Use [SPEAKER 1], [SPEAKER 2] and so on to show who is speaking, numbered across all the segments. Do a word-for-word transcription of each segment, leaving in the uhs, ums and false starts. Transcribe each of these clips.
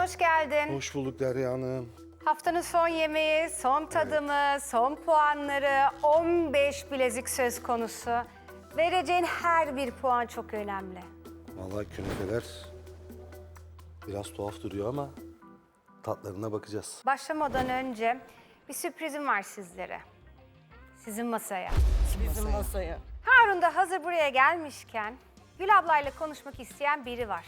[SPEAKER 1] hoş geldin.
[SPEAKER 2] Hoş bulduk Derya Hanım.
[SPEAKER 1] Haftanın son yemeği, son tadımı, son puanları, on beş bilezik söz konusu. Vereceğin her bir puan çok önemli.
[SPEAKER 2] Vallahi künefeler biraz tuhaf duruyor ama tatlarına bakacağız.
[SPEAKER 1] Başlamadan önce bir sürprizim var sizlere. Sizin masaya.
[SPEAKER 3] Bizim masaya.
[SPEAKER 1] Harun da hazır buraya gelmişken Gül ablayla konuşmak isteyen biri var.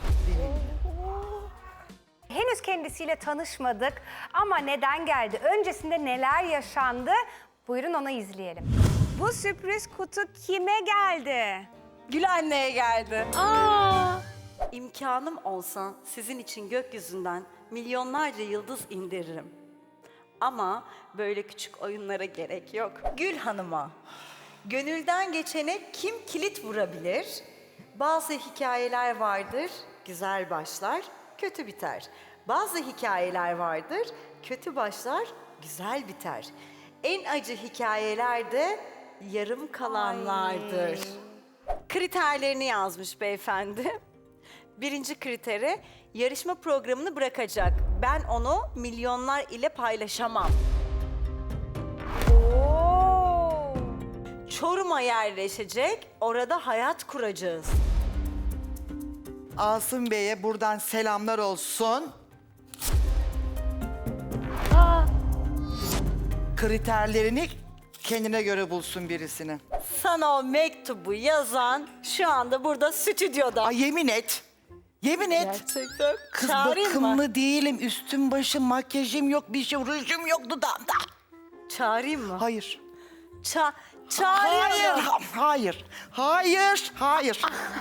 [SPEAKER 1] Henüz kendisiyle tanışmadık ama neden geldi? Öncesinde neler yaşandı? Buyurun onu izleyelim. Bu sürpriz kutu kime geldi?
[SPEAKER 3] Gül anneye geldi.
[SPEAKER 1] Aa!
[SPEAKER 3] İmkanım olsa sizin için gökyüzünden milyonlarca yıldız indiririm. Ama böyle küçük oyunlara gerek yok. Gül Hanım'a, gönülden geçene kim kilit vurabilir? Bazı hikayeler vardır, güzel başlar, kötü biter. Bazı hikayeler vardır, kötü başlar, güzel biter. En acı hikayeler de yarım kalanlardır. Kriterlerini yazmış beyefendi. Birinci kriteri, yarışma programını bırakacak. Ben onu milyonlar ile paylaşamam.
[SPEAKER 1] Oo!
[SPEAKER 3] Çorum'a yerleşecek, orada hayat kuracağız.
[SPEAKER 4] Asım Bey'e buradan selamlar olsun.
[SPEAKER 1] Aa!
[SPEAKER 4] Kriterlerini kendine göre bulsun birisini.
[SPEAKER 3] Sana o mektubu yazan şu anda burada stüdyoda.
[SPEAKER 4] Ay yemin et. Yemin et.
[SPEAKER 3] Gerçekten.
[SPEAKER 4] Kız
[SPEAKER 3] Çağırayım
[SPEAKER 4] bakımlı
[SPEAKER 3] mı?
[SPEAKER 4] değilim. Üstüm başım, makyajım yok, bir şey, rujum yok dudağımda.
[SPEAKER 3] Çağırayım mı?
[SPEAKER 4] Hayır.
[SPEAKER 3] Ça çağırayım
[SPEAKER 4] Hayır.
[SPEAKER 3] mı?
[SPEAKER 4] ha- Hayır. Hayır. Hayır.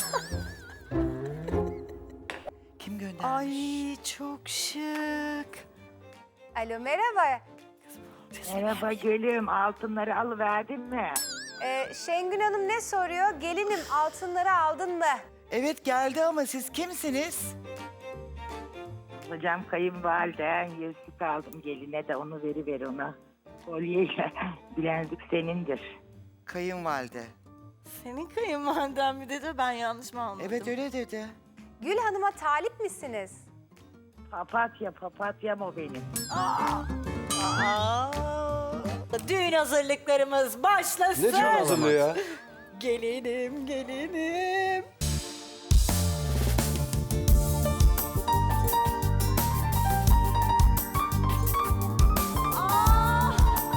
[SPEAKER 4] Kim göndermiş?
[SPEAKER 3] Ay çok şık.
[SPEAKER 1] Alo merhaba.
[SPEAKER 5] Merhaba gülüm, altınları alıverdin mi?
[SPEAKER 1] Ee, Şengün Hanım ne soruyor? Gelinim altınları aldın mı?
[SPEAKER 4] Evet geldi ama siz kimsiniz?
[SPEAKER 5] Hocam kayınvaliden yüzük aldım geline de onu veriver ona. Kolyeyle bilezik senindir.
[SPEAKER 4] Kayınvalide.
[SPEAKER 3] Senin kayınvaliden mi dedi, ben yanlış mı anladım?
[SPEAKER 4] Evet öyle dedi.
[SPEAKER 1] Gül Hanım'a talip misiniz?
[SPEAKER 5] Papatya, papatyam o benim.
[SPEAKER 3] Aa, düğün hazırlıklarımız başlasın.
[SPEAKER 2] Ne can hazırlığı ya?
[SPEAKER 3] Gelinim, gelinim. Aa!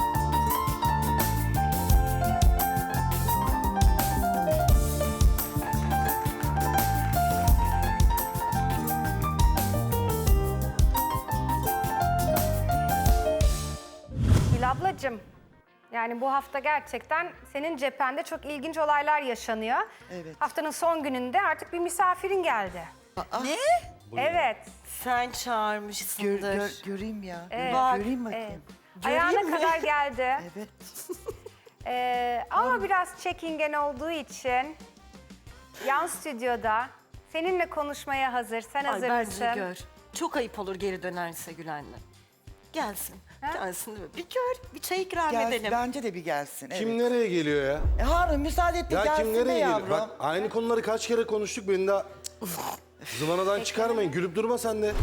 [SPEAKER 1] Gül ablacığım, yani bu hafta gerçekten senin cephende çok ilginç olaylar yaşanıyor.
[SPEAKER 4] Evet.
[SPEAKER 1] Haftanın son gününde artık bir misafirin geldi.
[SPEAKER 3] Ne?
[SPEAKER 1] Evet.
[SPEAKER 3] Sen
[SPEAKER 4] Gör,
[SPEAKER 3] çağırmışsındır.
[SPEAKER 4] gör- göreyim ya.
[SPEAKER 1] Evet.
[SPEAKER 3] Bak,
[SPEAKER 4] Göreyim
[SPEAKER 1] Evet.
[SPEAKER 4] bakayım.
[SPEAKER 1] Ayağına
[SPEAKER 3] mi?
[SPEAKER 1] kadar geldi.
[SPEAKER 4] Evet.
[SPEAKER 1] Ee, ama biraz çekingen olduğu için yan stüdyoda seninle konuşmaya hazır. Sen
[SPEAKER 3] Ay
[SPEAKER 1] hazır
[SPEAKER 3] bence
[SPEAKER 1] mısın?
[SPEAKER 3] gör. Çok ayıp olur geri dönerse Gül anne. Gelsin. Gelsin değil mi? Bir gör, bir çay ikram
[SPEAKER 4] Gel,
[SPEAKER 3] edelim.
[SPEAKER 4] bence de bir gelsin. Evet.
[SPEAKER 2] Kim nereye geliyor ya?
[SPEAKER 4] E, Harun müsaade et de
[SPEAKER 2] Ya
[SPEAKER 4] gelsin
[SPEAKER 2] kim
[SPEAKER 4] be
[SPEAKER 2] nereye
[SPEAKER 4] yavrum.
[SPEAKER 2] geliyor? Bak aynı konuları kaç kere konuştuk, beni daha zıvanadan çıkarmayın. Gülüp durma sen de.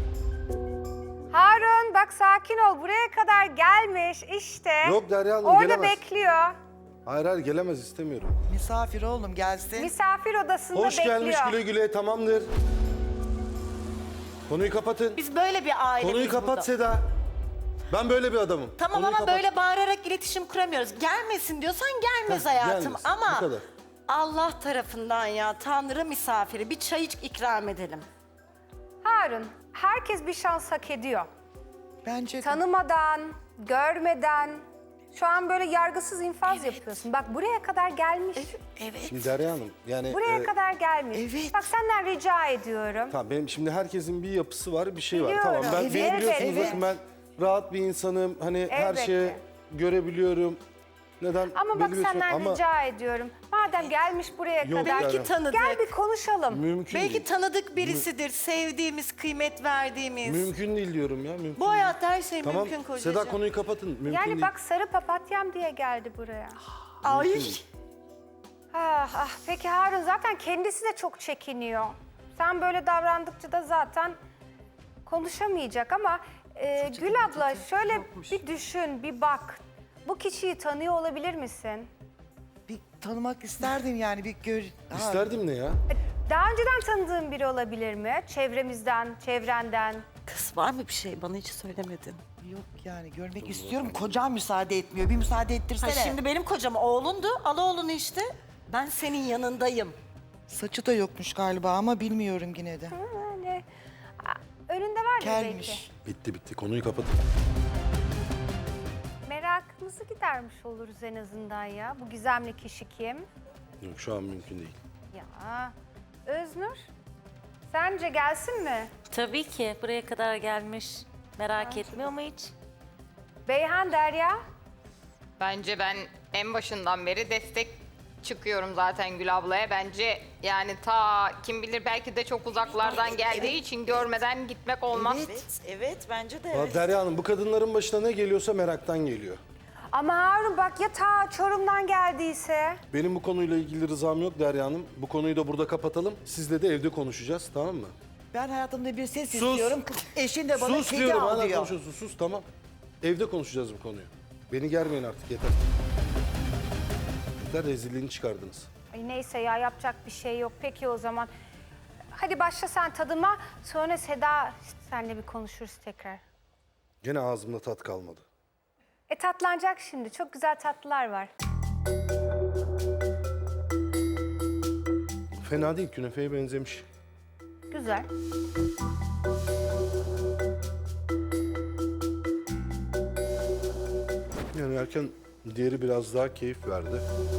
[SPEAKER 1] Harun bak sakin ol. Buraya kadar gelmiş işte.
[SPEAKER 2] Yok Derya Hanım,
[SPEAKER 1] Orada
[SPEAKER 2] gelemez.
[SPEAKER 1] bekliyor.
[SPEAKER 2] Hayır hayır gelemez, istemiyorum.
[SPEAKER 4] Misafir oğlum gelsin.
[SPEAKER 1] Misafir odasında
[SPEAKER 2] Hoş
[SPEAKER 1] bekliyor.
[SPEAKER 2] gelmiş güle güle, tamamdır. Konuyu kapatın.
[SPEAKER 3] Biz böyle bir aileyiz
[SPEAKER 2] Konuyu kapat
[SPEAKER 3] burada.
[SPEAKER 2] Seda. Ben böyle bir adamım.
[SPEAKER 3] Tamam
[SPEAKER 2] Konuyu
[SPEAKER 3] ama
[SPEAKER 2] kapat.
[SPEAKER 3] böyle bağırarak iletişim kuramıyoruz. Gelmesin diyorsan gelmez
[SPEAKER 2] Heh,
[SPEAKER 3] hayatım.
[SPEAKER 2] gelmesin.
[SPEAKER 3] Ama
[SPEAKER 2] Bu kadar.
[SPEAKER 3] Allah tarafından ya Tanrı misafiri bir çay iç ikram edelim.
[SPEAKER 1] Harun, herkes bir şans hak ediyor.
[SPEAKER 4] Bence de.
[SPEAKER 1] Tanımadan, görmeden, şu an böyle yargısız infaz yapıyorsun. Bak buraya kadar gelmiş.
[SPEAKER 3] Evet.
[SPEAKER 2] Şimdi Derya Hanım yani...
[SPEAKER 1] Buraya
[SPEAKER 2] e,
[SPEAKER 1] kadar gelmiş.
[SPEAKER 4] evet.
[SPEAKER 1] Bak senden rica ediyorum.
[SPEAKER 2] Tamam benim şimdi herkesin bir yapısı var, bir şey var.
[SPEAKER 1] Biliyorum.
[SPEAKER 2] Tamam ben
[SPEAKER 1] Evet,
[SPEAKER 2] beni biliyorsunuz
[SPEAKER 1] evet.
[SPEAKER 2] bakın ben rahat bir insanım. Hani her
[SPEAKER 1] Elbette.
[SPEAKER 2] şeyi görebiliyorum. Neden?
[SPEAKER 1] Ama bak
[SPEAKER 2] biliyorsun
[SPEAKER 1] senden
[SPEAKER 2] ama
[SPEAKER 1] rica ediyorum. Madem gelmiş buraya
[SPEAKER 2] Yok
[SPEAKER 1] kadar.
[SPEAKER 2] yani.
[SPEAKER 3] Belki tanıdık.
[SPEAKER 1] Gel bir konuşalım.
[SPEAKER 2] mümkün
[SPEAKER 3] Belki
[SPEAKER 2] değil.
[SPEAKER 3] tanıdık birisidir. Sevdiğimiz, kıymet verdiğimiz.
[SPEAKER 2] Mümkün değil diyorum ya. Mümkün
[SPEAKER 3] Bu
[SPEAKER 2] değil.
[SPEAKER 3] hayatta her şey
[SPEAKER 2] Tamam
[SPEAKER 3] mümkün kocacığım.
[SPEAKER 2] Seda konuyu kapatın. Mümkün
[SPEAKER 1] Yani
[SPEAKER 2] değil.
[SPEAKER 1] bak sarı papatyam diye geldi buraya.
[SPEAKER 3] Ay.
[SPEAKER 1] Ah, ah. Peki Harun zaten kendisi de çok çekiniyor. Sen böyle davrandıkça da zaten konuşamayacak ama e, Gül abla şöyle bir düşün, bir bak. Bu kişiyi tanıyor olabilir misin?
[SPEAKER 4] Bir tanımak isterdim yani bir gör... Ha,
[SPEAKER 2] İsterdim ne ya?
[SPEAKER 1] Daha önceden tanıdığın biri olabilir mi? Çevremizden, çevrenden.
[SPEAKER 3] Kız var mı bir şey? Bana hiç söylemedin.
[SPEAKER 4] Yok yani görmek istiyorum. Kocam müsaade etmiyor. Bir müsaade
[SPEAKER 3] Ha,
[SPEAKER 4] ettirsene.
[SPEAKER 3] şimdi benim kocam oğlundu. Al oğlunu işte. Ben senin yanındayım.
[SPEAKER 4] Saçı da yokmuş galiba ama bilmiyorum yine de.
[SPEAKER 1] Yani a, önünde var belki.
[SPEAKER 4] Kelmiş.
[SPEAKER 2] Bitti bitti konuyu kapat.
[SPEAKER 1] Merakımızı gidermiş oluruz en azından ya. Bu gizemli kişi kim?
[SPEAKER 2] Yok şu an mümkün değil.
[SPEAKER 1] Ya Öznur, sence gelsin mi?
[SPEAKER 6] Tabii ki buraya kadar gelmiş. Merak etmiyor mu hiç?
[SPEAKER 1] Beyhan, Derya?
[SPEAKER 7] Bence ben en başından beri destek çıkıyorum zaten Gül ablaya. Bence yani ta kim bilir belki de çok uzaklardan geldiği için görmeden gitmek olmaz.
[SPEAKER 3] Evet, evet bence de
[SPEAKER 2] Valla Derya Hanım bu kadınların başına ne geliyorsa meraktan geliyor.
[SPEAKER 1] Ama Harun bak ya ta Çorum'dan geldiyse?
[SPEAKER 2] Benim bu konuyla ilgili rızam yok Derya Hanım. Bu konuyu da burada kapatalım. Sizle de evde konuşacağız tamam mı?
[SPEAKER 4] Ben hayatımda bir ses
[SPEAKER 2] Sus.
[SPEAKER 4] istiyorum. Eşin de bana
[SPEAKER 2] sus
[SPEAKER 4] kedi
[SPEAKER 2] diyorum
[SPEAKER 4] al
[SPEAKER 2] hala
[SPEAKER 4] diyor.
[SPEAKER 2] konuşuyorsun sus tamam. Evde konuşacağız bu konuyu. Beni germeyin artık yeter. Yeter rezilliğini çıkardınız.
[SPEAKER 1] Ay neyse ya yapacak bir şey yok. Peki o zaman. Hadi başla sen tadıma. Sonra Seda senle bir konuşuruz tekrar.
[SPEAKER 2] Gene ağzımda tat kalmadı.
[SPEAKER 1] E tatlanacak şimdi. Çok güzel tatlılar var.
[SPEAKER 2] Fena değil künefeye benzemiş.
[SPEAKER 1] Güzel.
[SPEAKER 2] Yani erken diğeri biraz daha keyif verdi.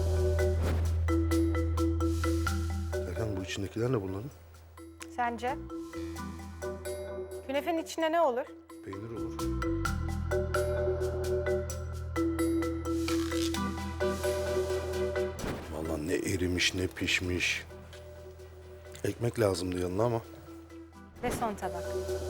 [SPEAKER 2] Erken bu içindekiler ne bunların?
[SPEAKER 1] Sence? Künefenin içinde ne olur?
[SPEAKER 2] Peynir olur. Vallahi ne erimiş ne pişmiş. Ekmek lazımdı yanına ama.
[SPEAKER 1] Ve son tabak.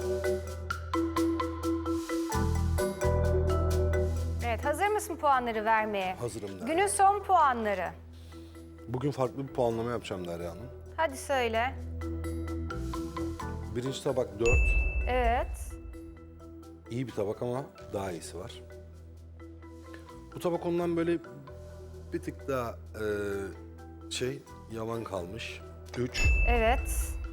[SPEAKER 1] Evet, hazır mısın puanları vermeye?
[SPEAKER 2] Hazırım Derya.
[SPEAKER 1] Günün son puanları.
[SPEAKER 2] Bugün farklı bir puanlama yapacağım Derya Hanım.
[SPEAKER 1] Hadi söyle.
[SPEAKER 2] Birinci tabak dört.
[SPEAKER 1] Evet.
[SPEAKER 2] İyi bir tabak ama daha iyisi var. Bu tabak ondan böyle bir tık daha eee, şey yavan kalmış. Üç.
[SPEAKER 1] Evet.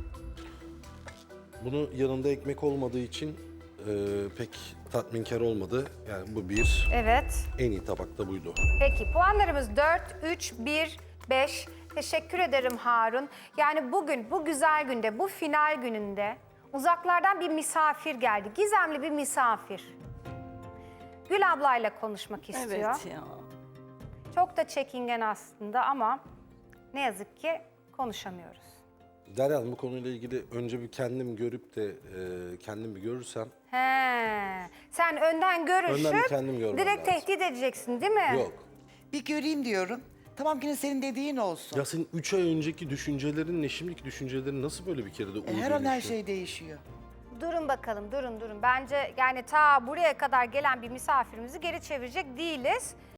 [SPEAKER 2] Bunu yanında ekmek olmadığı için eee, pek tatminkar olmadı. Yani bu bir.
[SPEAKER 1] Evet.
[SPEAKER 2] En iyi tabak da buydu.
[SPEAKER 1] Peki puanlarımız dört, üç, bir, beş. Teşekkür ederim Harun. Yani bugün, bu güzel günde, bu final gününde uzaklardan bir misafir geldi. Gizemli bir misafir. Gül ablayla konuşmak istiyor.
[SPEAKER 3] Evet ya.
[SPEAKER 1] Çok da çekingen aslında ama ne yazık ki konuşamıyoruz.
[SPEAKER 2] Derya Hanım bu konuyla ilgili önce bir kendim görüp de eee, kendim bir görürsem.
[SPEAKER 1] He, sen önden görüşüp
[SPEAKER 2] Önden bir kendim görmem
[SPEAKER 1] direkt
[SPEAKER 2] lazım.
[SPEAKER 1] tehdit edeceksin değil mi?
[SPEAKER 2] Yok.
[SPEAKER 4] Bir göreyim diyorum. Tamam yine senin dediğin olsun.
[SPEAKER 2] Ya senin üç ay önceki düşüncelerinle şimdiki düşüncelerin nasıl böyle bir kere de
[SPEAKER 4] E,
[SPEAKER 2] uygun
[SPEAKER 4] her an her
[SPEAKER 2] düşüyor?
[SPEAKER 4] şey değişiyor.
[SPEAKER 1] Durun bakalım, durun durun. Bence yani ta buraya kadar gelen bir misafirimizi geri çevirecek değiliz.